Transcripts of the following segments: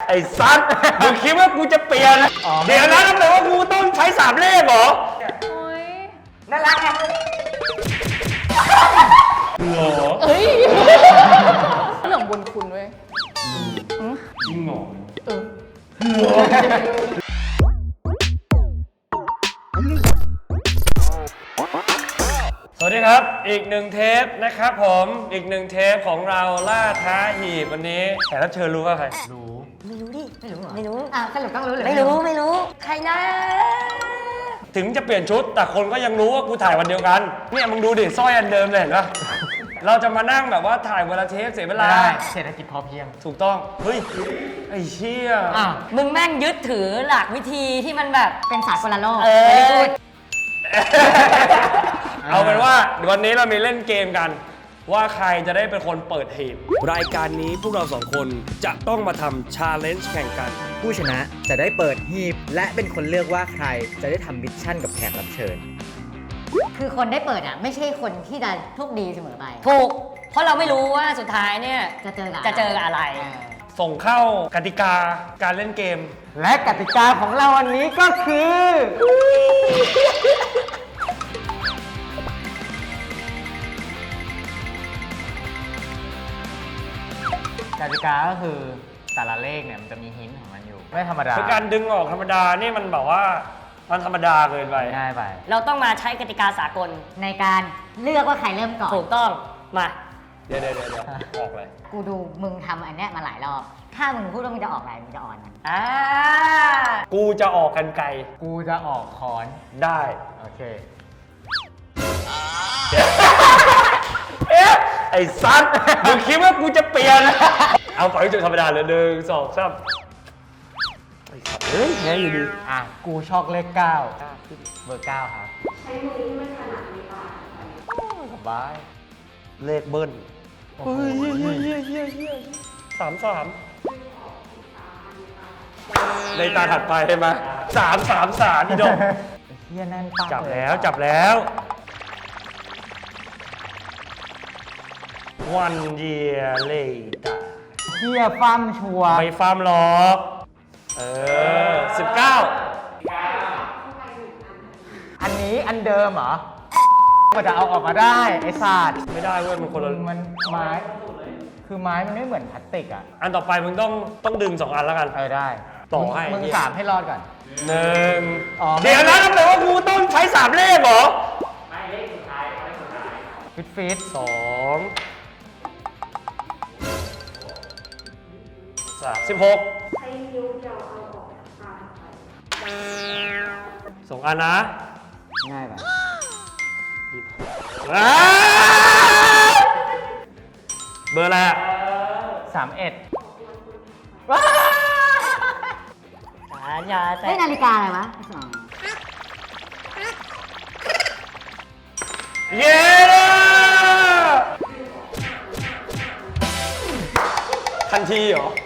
ไอ้ซัดมึงคิดว่ากูจะเปลี่ยนเดี๋ยวนะแปลว่ากูต้องใช้3 เลขเหรอโอ้ยน่ารักไงเหรอเอ้ยเรื่องบุญคุณเว้ยจริงเหรอเออสวัสดีครับอีก1 เทปนะครับผมอีก1 เทปของเราล่าท้าหีบวันนี้แขกรับเชิญรู้ว่าใครรู้ไม่รู้ดิ ไม่รู้เหรอไม่รู้อ่ะสรุปต้องรู้หรือไม่รู้ ใครนะถึงจะเปลี่ยนชุดแต่คนก็ยังรู้ว่ากูถ่ายวันเดียวกันเนี่ยมึงดูดิสร้อยอันเดิมเลยเห็นปะเราจะมานั่งแบบว่าถ่ายเวลาเทปเสียเวลาได้เศรษฐกิจพอเพียงถูกต้องเฮ้ยไอ้เชี่ยอ่ะมึงแม่งยึดถือหลักวิธีที่มันแบบเป็นสากลโลกเออไม่ได้พูดเอาเป็นว่าวันนี้เรามีเล่นเกมกัน ว่าใครจะได้เป็นคนเปิดหีบรายการนี้พวกเรา2 คนจะต้องมาทำชาเลนจ์แข่งกันผู้ชนะจะได้เปิดหีบและเป็นคนเลือกว่าใครจะได้ทำมิชชั่นกับแขกรับเชิญคือคนได้เปิดอ่ะ ไม่ใช่คนที่จะโชคดีเสมอไปถูก เพราะเราไม่รู้ว่าสุดท้ายเนี่ยจะเจอกับจะเจอกับอะไรส่งเข้ากติกาการเล่นเกมและกติกาของเราวันนี้ก็คือกติกาก็คือแต่ละเลขเนี่ยมันจะมีหินของมันอยู่ ไม่ธรรมดาคือการดึงออกธรรมดานี่มันแบบว่ามันธรรมดาเกินไปง่ายไปเราต้องมาใช้กติกาสากลในการเลือกว่าใครเริ่มก่อนถูกต้องมาเดี๋ยวออกเลยกูดูมึงทำอันเนี้ยมาหลายรอบ ถ้ามึงพูดว่ามึงจะออกอะไรมึงจะอ่อนมันอ่ากูจะออกกันไกลกูจะออกคอนได้โอเคเอ๊ะไอ้ซัดมึงคิดว่ากูจะเปลี่ยนเอาฝังจุดธรรมดาเลย1 2 3ไอ้สัตว์เฮ้ยแง่อยู่ดีอ่ะ กูชอบเลข 9 เบอร์ 9 ครับ ใช้มือที่ไม่ถนัดในปากสบายเลขเบิ้ลโอ้โห 33ในตาถัดไปใช่ไหม333นี่ดอกเฮียแน่นปังจับเลยแล้วจับแล้ววันเยียเลยตาเฮียฟั่มชัวร์ไม่ฟาร์มหรอก 19 อันนี้อันเดิมเหรอ ก็จะเอาออกมาได้ไอ้ศาสตร์ไม่ได้เว้ยมันคนละมันไม้ คือไม้มันไม่เหมือนพลาสติกอ่ะอันต่อไปมึงต้องดึง2 อันแล้วกันได้ต่อให้มึง3ให้รอดก่อน 1 อ๋อเดี๋ยวนะแปลว่ากูต้องใช้3 เลขเหรอฟิต 2 3 16สองอันนะง่ายไปอ้าเบอร์อะไรอะ 31 อย่าแต่เฮ้ยนาฬิกาอะไรวะเย้ทันทีเหรอ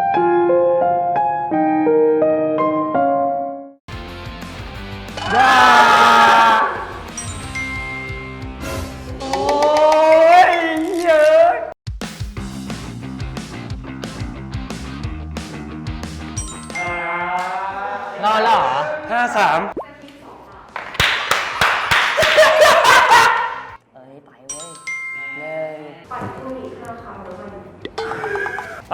โอ้ยเยอะรอดแล้วเหรอ 53 เอ้ยไปเว้ยหนึ่งไป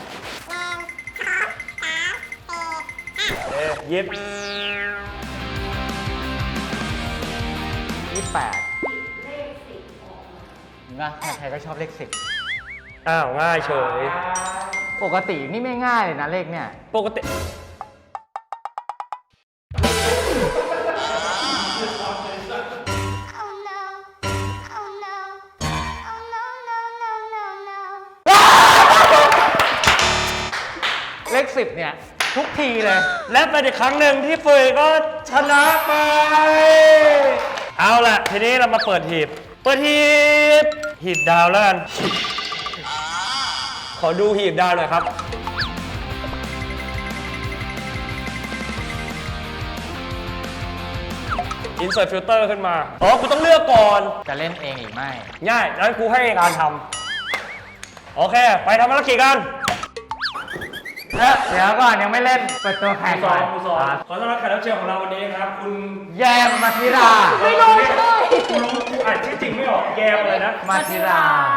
หยิบ 28นะใครๆก็ชอบเลขอ้าว ง่ายเฉย 10 ปกตินี่ไม่ง่ายเลยนะเลขเนี่ยปกติเลข 10 เนี่ย ทุกทีเลยและเป็นอีกครั้งหนึ่งที่เฟยก็ชนะไป เอาล่ะ ทีนี้เรามาเปิดหีบ เปิดหีบ หีบดาวแล้วกัน ขอดูหีบดาวหน่อยครับ Insert filter ขึ้นมา อ๋อ กูต้องเลือกก่อนจะเล่นเองหรือไม่ง่ายงั้นกูให้การทำ โอเค ไปทำภารกิจกันเดี๋ยวก่อนยังไม่เล่นเปิดตัวแขกสก่ออนงกูสองขอต้อนรับแขกรับเชิญของเราวันนี้ครับ คุณแยมมาธิราไม่รู้เลยคุณรู้อ่านชื่อจริงไม่ออกแยมอะไรนะมาธิรา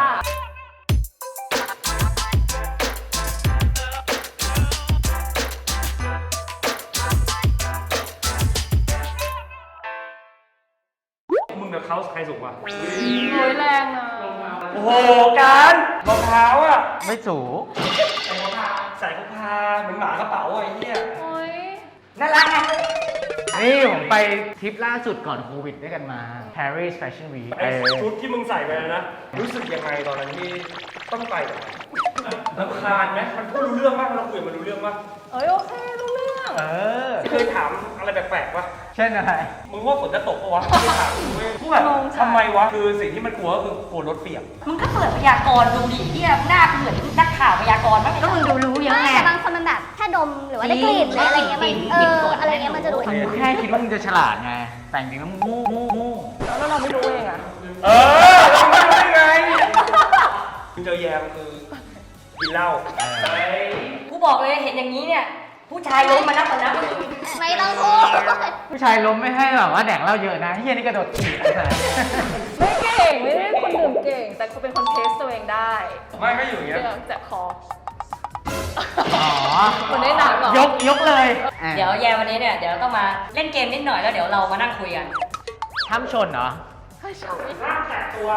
มึงกับเขาใครสูงกว่าโอ้ยแรงนะโอ้โหการรองเท้าอ่ะไม่สูงใส่พกพาเหมือนหมากระเป๋าอ่ะไอ้เหี้ยโอ้ยน่ารักไงนี่ผมไปทริปล่าสุดก่อนโควิดด้วยกันมา Paris Fashion Week ไอ้ชุดที่มึงใส่ไปนะ รู้สึกยังไงตอนนั้นที่ต้องไปแบบรำคาญไหมมันพูดรู้เรื่องมากเราคุยกับมันรู้เรื่องมากเอ้ยโอเครู้เรื่องเออเคยถามอะไรแปลกๆปะเช่นอะไรมึงว่าฝนจะตกปะวะไม่ถามกูเว้ยกูแบบทำไมวะคือสิ่งที่มันกลัวก็คือกลัวรถเปียกมึงก็เปิดพยากรณ์ดูดิเหียหน้าเหมือนนักข่าวพยากรณ์มั้งก็มึงดูรู้เยอะไม่ไงแต่บางคนมันแบบแค่ดมหรือว่าได้กลิ่นหรืออะไรเงี้ยมันอะไรเงี้ยมันจะดูกูแค่คิดว่ามึงจะฉลาดไง แต่จริงๆแล้วมึงโง่แล้วเราไม่รู้เองอะเออทำไมได้ไงคุณเจอแยมคือกินเหล้ากูบอกเลยเห็นอย่างนี้เนี่ย ผู้ชายล้มมานับต่อนับไม่ต้องพูดผู้ชายล้มไม่ให้แบบว่าแดกเหล้าเยอะนะเฮียนี่กระโดดถีบไอ้สัสไม่เก่งไม่ได้คนดื่มเก่ง แต่เขาเป็นคนเทสตัวเองได้ไม่ก็อยู่อย่างเงี้ยเรื่องจากคออ๋อเหมือนในหนังเหรอยกเลยเดี๋ยวแยมวันนี้เนี่ยเดี๋ยวต้องมาเล่นเกมนิดหน่อยแล้วเดี๋ยวเรามานั่งคุยกันห้ามชนเหรอร่างแตกตัว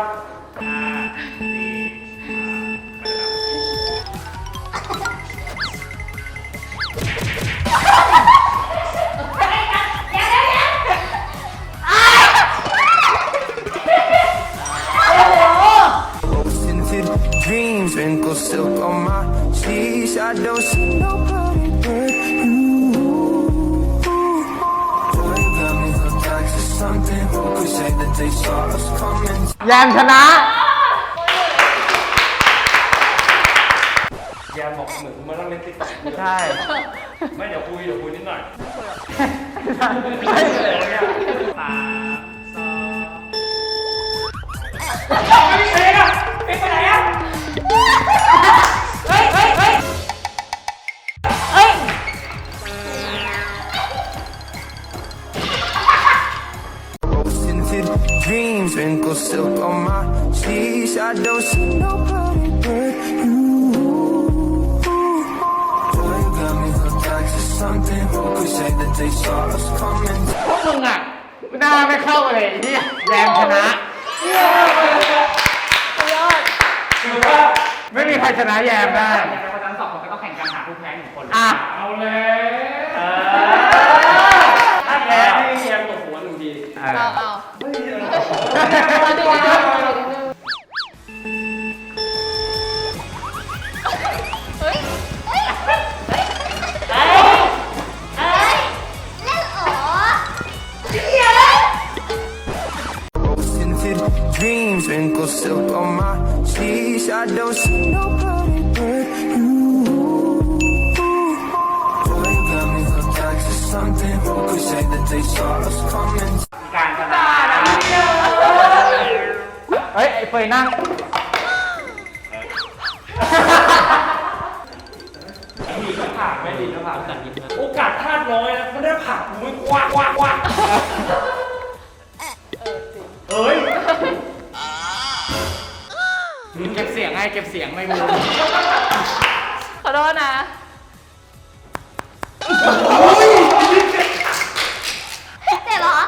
Tinted dreams, wrinkled silk on my sleeves. I don't see nobody but you. Boy, you got me hooked onto something. Who could say that they saw us coming? แยมชนะแยมบอกเหมือนมานั่งเล่นติ๊กต็อกใช่ไม่เดี๋ยวคุยนิดหน่อย ไม่มีเพลงอ่ะเพลงไปไหนอ่ะ Tinted dreams, wrinkled silk on my sleeves. I don't see nobody but you. Boy, you got me hooked onto something. Who could say that they saw us coming? พวกมึงอ่ะหน้าไม่เข้าเลยไอ้เนี่ยแยมชนะคือว่าไม่มีใครชนะแยมได้คนทั้งสองคนก็ต้องแข่งกันหาผู้แพ้หนึ่งคนอ่ะเอาเลยถ้าแพ้ให้แยมตกหัวหนึ่งทีเอาเอา เฮ้ยเฮ้ยเล่นอ๋อ Tinted dreams, wrinkled silk on my sleeves. I don't see nobody but you. Boy, you got me hooked onto something. Who could say that they saw us coming? การชนะเฮ้ย ไอ้เฟยนั่งดีก็ผ่านไม่ดีก็ผ่านโอกาสพลาดน้อยนะมันได้ผ่านกูไม่กว้างเอ้ยเก็บเสียงไงเก็บเสียงไม่รู้ขอโทษนะเจ็บเหรอ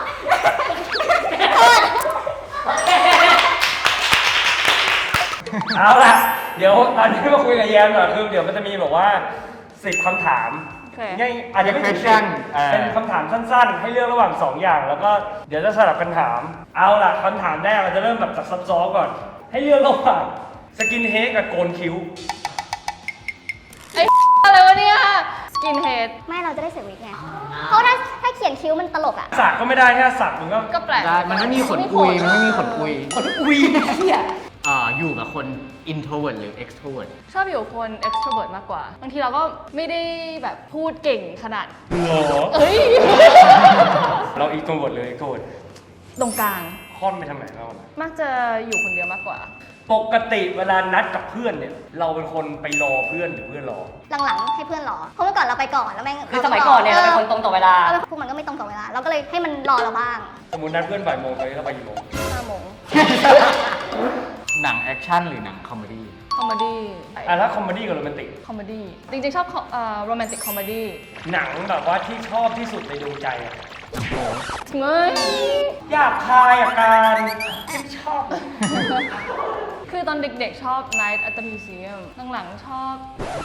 เอาล่ะ เดี๋ยวตอนนี้มาคุยกับแยมหน่อยคือเดี๋ยวมันจะมีแบบว่า10คำถามโอเคง่ายอาจจะไม่ถึง Question เป็นคำถามสั้นๆ ให้เลือกระหว่าง 2 อย่าง แล้วก็เดี๋ยวจะสลับกันถาม เอาล่ะคำถามแรกเราจะเริ่มแบบจากซับซ้อนก่อน ให้เลือกระหว่างสกินเฮดกับโกนคิ้วไอ้ อะไรวะเนี่ย สกินเฮดไม่เราจะได้เสียวิกไง เพราะถ้าเขียนคิ้วมันตลกอ่ะสักก็ไม่ได้แค่สักมึงก็ก็แปลกได้มันไม่มีขนคุย มันไม่มีขนคุยอุ้ยเฮียอยู่กับคน introvert หรือ extrovert ชอบอยู่กับคน extrovert มากกว่า บางทีเราก็ไม่ได้แบบพูดเก่งขนาดเหรอเอ้ยเราอีกตัวบทเลยโกรธตรงกลางค่อนไปทางไหนเรามักจะอยู่คนเดียวมากกว่าปกติเวลานัดกับเพื่อนเนี่ย เราเป็นคนไปรอเพื่อนหรือเพื่อนรอหลังๆให้เพื่อนรอ เพราะเมื่อก่อนเราไปก่อนแล้วแม่งคือสมัยก่อนเนี่ยเราเป็นคนตรงต่อเวลาพวกมันก็ไม่ตรงต่อเวลา เราก็เลยให้มันรอเราบ้างสมมตินัดเพื่อนบ่ายโมงไปแล้วไปกี่โมง 5 โมงหนังแอคชั่นหรือหนังคอมเมดี้คอมเมดี้ถ้าคอมเมดี้กับโรแมนติกคอมเมดี้จริงๆชอบโรแมนติกคอมเมดี้หนังแบบว่าที่ชอบที่สุดในดวงใจอะเงยอยากคายอาการไม่ชอบคือตอนเด็กๆชอบ Night at the Museum หลังๆชอบ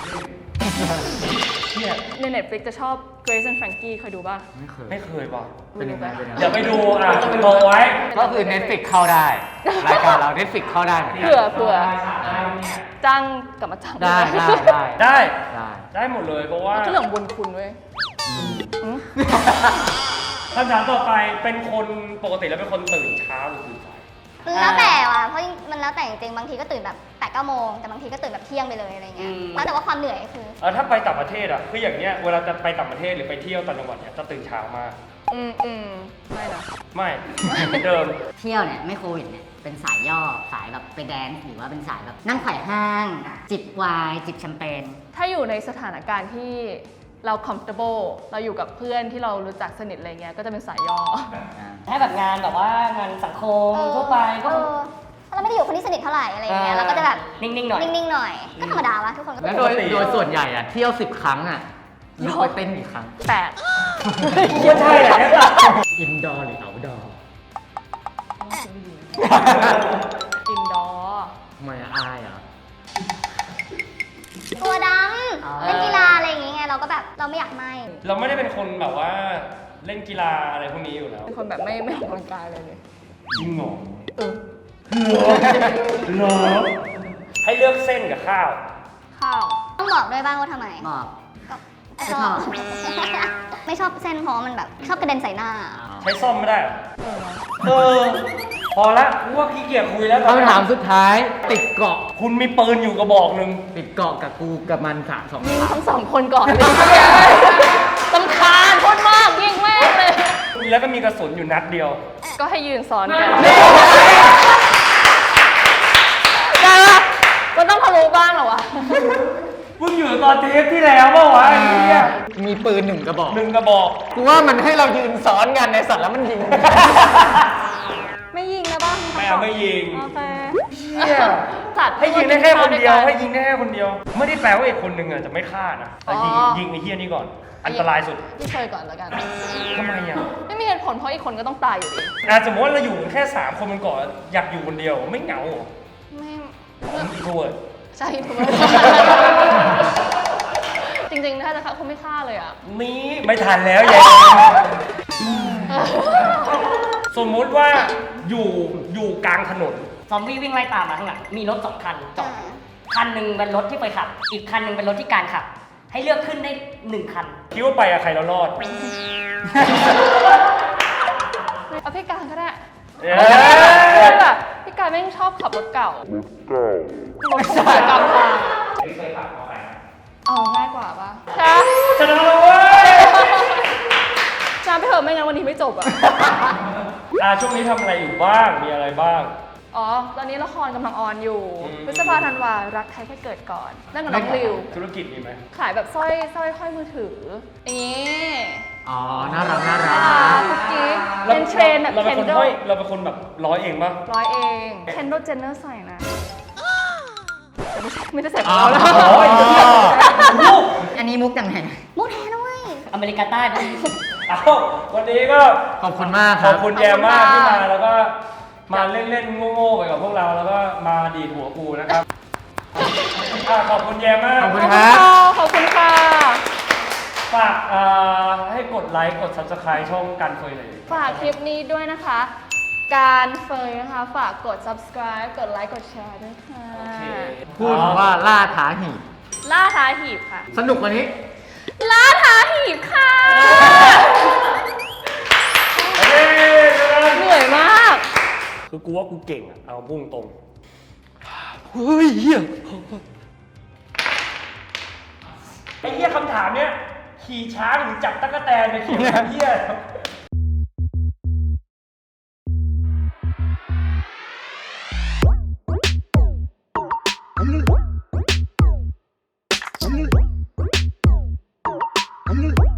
ใน Netflix จะชอบ Grace and Frankie เคยดูป่ะไม่เคยว่ะเป็นยังไงเป็นยังไงเดี๋ยวไปดูบอกไว้ก็คือ Netflix เข้าได้ รายการเรา Netflix เข้าได้เหมือนกันเผื่อจ้างกลับมาจ้างได้ได้หมดเลยเพราะว่าก็เรื่องของบุญคุณเว้ยคำถามต่อไปเป็นคนปกติแล้วเป็นคนตื่นเช้าหรือตื่นสายคือแล้วแต่ว่ะ เพราะมันแล้วแต่จริงๆ บางทีก็ตื่นแบบ8-9 โมง แต่บางทีก็ตื่นแบบเที่ยงไปเลยอะไรเงี้ย แล้วแต่ว่าความเหนื่อยคือถ้าไปต่างประเทศอะคืออย่างเนี้ยเวลาจะไปต่างประเทศหรือไปเที่ยวต่างจังหวัดเนี่ยจะตื่นเช้ามากไม่นะไม่เหมือนเดิมเที่ยวเนี่ยไม่โควิดเนี่ยเป็นสายย่อสายแบบไปแดนซ์หรือว่าเป็นสายแบบนั่งไขว่ห้าง จิบไวน์จิบแชมเปญถ้าอยู่ในสถานการณ์ที่เรา comfortable เราอยู่กับเพื่อนที่เรารู้จักสนิทอะไรเงี้ยก็จะเป็นสายย่อถ้าแบบงานแบบว่างานสังคมทั่วไปก็ถ้าเราไม่ได้อยู่คนที่สนิทเท่าไหร่อะไรเงี้ย เราก็จะแบบนิ่งๆหน่อยนิ่งๆหน่อย ก็ธรรมดาวะทุกคนก็แล้วเป็นโดยส่วนใหญ่อะเที่ยว 10 ครั้งอะยกไปเต้นกี่ครั้ง 8 ไม่ใช่แหละอินดอร์หรือเอาท์ดอร์อินดอร์ทำไมอายอ่ะตัวดำเล่นกีฬาอะไรอย่างเงี้ยเราก็แบบเราไม่อยากไหมเราไม่ได้เป็นคนแบบว่าเล่นกีฬาอะไรพวกนี้อยู่แล้วเป็นคนแบบไม่ออกกำลังกายเลยจริงเหรอเออเหรอให้เลือกเส้นกับข้าวข้าวต้องบอกด้วยบ้างว่าทำไมบอกก็ชอบ ไม่ชอบเส้นเพราะมันแบบชอบกระเด็นใส่หน้าใช้ซ่อมไม่ได้เหรอพอละกูว่าขี้เกียจคุยแล้วตอนคำนี้ถามสุดท้ายติดเกาะคุณมีปืนอยู่กระบอกหนึ่งติดเกาะกับกูกับมันสามสองยิงทั้งสองคนก่อนเลยตำคาญโคตรมากยิงแม่งเลยแล้วก็มีกระสุนอยู่นัดเดียวก็ให้ยืนซ้อนกันได้ปะมันต้องทะลุบ้างเหรอวะมึงอยู่ตอนเทปที่แล้วเปล่าวะไอ้เหี้ยมีปืนหนึ่งกระบอกหนึ่งกระบอกกูว่ามันให้เรายืนซ้อนกันในสัตว์แล้วมันยิงไม่ยิงนะบ้างไม่เอาไม่ยิงโอเคเหี้ยสัตว์ให้ยิงได้แค่คนเดียว ให้ยิงยิงได้แค่คนเดียว ไม่ได้แปลว่าอีกคนหนึ่งอ่ะจะไม่ฆ่านะแต่ยิงอ๋อยิงไอ้เหี้ยนี่ก่อน อันตรายสุดพี่เคยก่อนแล้วกันทำไมอ่ะไม่มีเหตุผลเพราะอีกคนก็ต้องตายอยู่ดีสมมติว่าเราอยู่แค่3คนมันก่อนอยากอยู่คนเดียวไม่เหงาเหรอไม่อินโทรเวิร์ดใช่ถูกไหมจริงๆถ้าจะฆ่าคงไม่ฆ่าเลยอ่ะนี่ไม่ทันแล้วแยสมมุติว่าอยู่กลางถนนซอมบี้วิ่งไล่ตามมาข้างหลังมีรถ2 คันจอดคันหนึ่งเป็นรถที่เฟยขับ อีกคันหนึ่งเป็นรถที่การขับ ให้เลือกขึ้นได้1 คันคิดว่าไปกับใครแล้วรอดเอาพี่การก็ได้เอ้ยแบบพี่การแม่งชอบขับรถเก่ารถเก่ากำลังง่ายกว่าปะจ้าชนะแล้วเว้ยจ้าไปเถอะไม่งั้นวันนี้ไม่จบอ่ะช่วงนี้ทำอะไรอยู่บ้าง มีอะไรบ้างอ๋อ ตอนนี้ละครกำลังออนอยู่อืมพฤษภาธันวารักใครแค่เกิดก่อนนั่นกับน้องริวธุรกิจมีไหมขายแบบสร้อยห้อยมือถืออย่างนี้อ๋อ น่ารักน่ารัคุกกกิ๊กเป็นเทรนแบบเราเคนเป็นคนโดห้อยเราเป็นคนแบบร้อยเองปะร้อยเองเคนโดเจนเนอร์ใส่นะแต่ไม่ได้ใส่ขอ๋อองเราแล้วโอ้ยอันนี้มุกดังไหนมุกแท้นะเว้ยอเมริกาใต้นะเอาวันนี้ก็ขอบคุณมากคขรัอบบคุณแยมมากที่มาแล้วก็มาเล่นๆโง่ๆไปกับพวกเราแล้วก็มาดีดหัวกูนะครับขอบคุณแยมมากขอบคุณขอบคคุณรับค่ะขอบคุณค่ะฝากให้กดไลค์กด subscribe ช่องกันเฟยเลยฝากคลิปนี้ด้วยนะคะ การเฟยนะคะ ฝากกด subscribe กดไลค์ กดแชร์ด้วยค่ะพูดว่าล่าท้าหีบล่าท้าหีบค่ะสนุกกว่านี้ล่าท้าหีบค่ะ เหนื่อยมากคือกูว่ากูเก่งอะเอาพุ่งตรงเฮ้ยเฮียไอ้เฮียคำถามเนี้ยขี่ช้างหรือจับตั๊กแตนไปเขียนเฮีย I'm